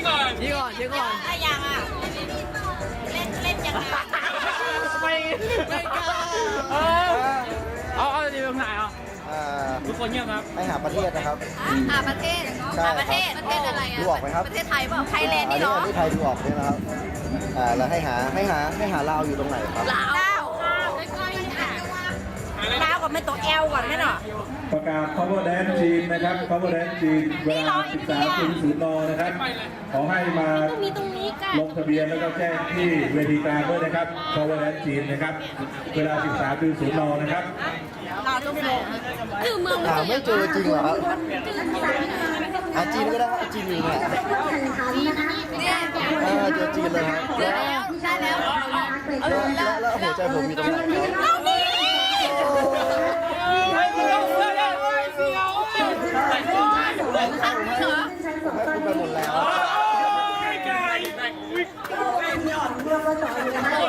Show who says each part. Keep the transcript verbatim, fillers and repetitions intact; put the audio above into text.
Speaker 1: ก่อน
Speaker 2: ชี้ก่อนชี้ก่อน
Speaker 3: ถ้ายังอ่ะเล่นเล่นยังไง
Speaker 1: ไม่ไม่กล้าเออเอาเอาดีตรงไหนอ่ะ
Speaker 4: อ่า
Speaker 1: ทุกคนเงียบครับ
Speaker 4: ให้หาประเทศนะครับ
Speaker 3: อ่าประเทศ
Speaker 4: ใช่
Speaker 3: อ่าประเทศประเทศอะไรอ่ะ
Speaker 4: ดูออกไหมครับ
Speaker 3: ประเทศไทยเปล่าไทยแลนด์
Speaker 4: อั
Speaker 3: นี่
Speaker 4: นี้
Speaker 3: เนาะ
Speaker 4: อันนี้ไทยดูออกใช่ไหมครับอ่าแล้วให้หาให้หาให้หาลาวอยู่ตรงไหนครับ
Speaker 3: ลาวลาวลาวกับไม่ตัวแอลก่อนไหมเนาะ
Speaker 5: ประกาศ cover dance จีนนะครับ cover dance จีนเวลา สิบสามนาฬิกา นนะครับ ขอให้มาลงทะเบียนแล้วก็แจ้งที่เวทีกลางด้วยนะครับ cover dance จีนนะครับ เวลา สิบสามนาฬิกา นนะครับ
Speaker 3: ลาวต้องโผล่คือเมือง
Speaker 4: หาไม่เจอจริงเหรอครับอาจีนก็ได้ครับจีนอยู่เนี่ย
Speaker 3: เนี่ย
Speaker 4: เออเจอจีนเลยครับ
Speaker 3: ได้แล้วได้แล้ว
Speaker 4: แล้วแล้วแล้วหัวใจผมอยู่ตรงไหนครับ
Speaker 3: เอานี่
Speaker 1: ไม่เสียวเลยไม่เสียวเลย
Speaker 3: ทักเหรอ
Speaker 4: ผมให้คุณไปหมดแล้ว
Speaker 1: ไม่ไกล
Speaker 4: เ